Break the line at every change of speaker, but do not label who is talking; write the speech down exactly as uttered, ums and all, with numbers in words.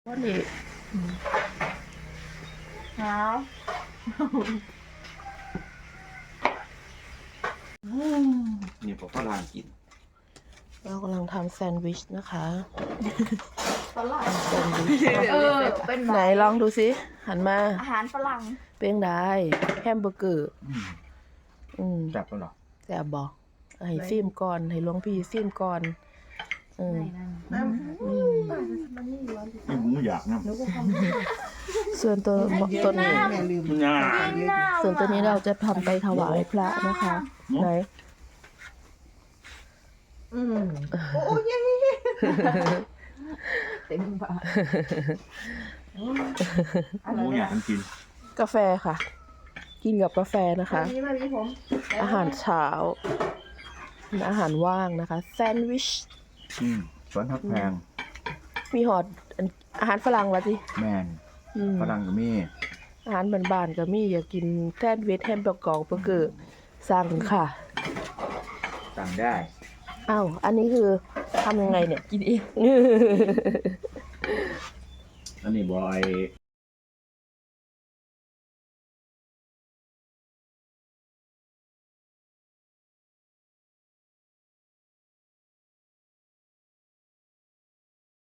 ว่านี่หา
นี่ผมก็ลานกิน
เรากำลังทำแซนด์วิชนะคะ
ฝรั่ง
แซนด์วิช
เออเป็น
ไหนลองดูสิหันมา
อาหารฝรั่ง
เป็นได้แฮมเบอร์เกอร์
อืม
อืม
จับแล้วเหรอ
แซ่บบอกให้ซิมก่อนให้หลวงพี่ซิมก่อนอืม
อืมผมอยากนะ
ส่วนตัวตัวนี้
มันยาก
ส่วนตัวนี้เราจะทำไปถวายพระนะคะ ไหน
อืมโอ้ยเต็มปาก
ผมอยากกิน
กาแฟค่ะ กินกับกาแฟนะคะ
นี่มามีผม
อาหารเช้าเป็นอาหารว่างนะคะแซนด์วิช
อืมสวนทักแพง
มีหอดอันอาหารฝรั่งวะจิ
แมน
อืม
ฝรั่งก็มี
อาหารบ้านๆก็มีอยากกินแซนด์วิชแฮมเบอร์เกอร์เบอร์เกอร์สั่งค่ะ
สั่งได้
อ้าวอันนี้คือทำยังไงเนี่ย
กินเอง
อันนี้บอย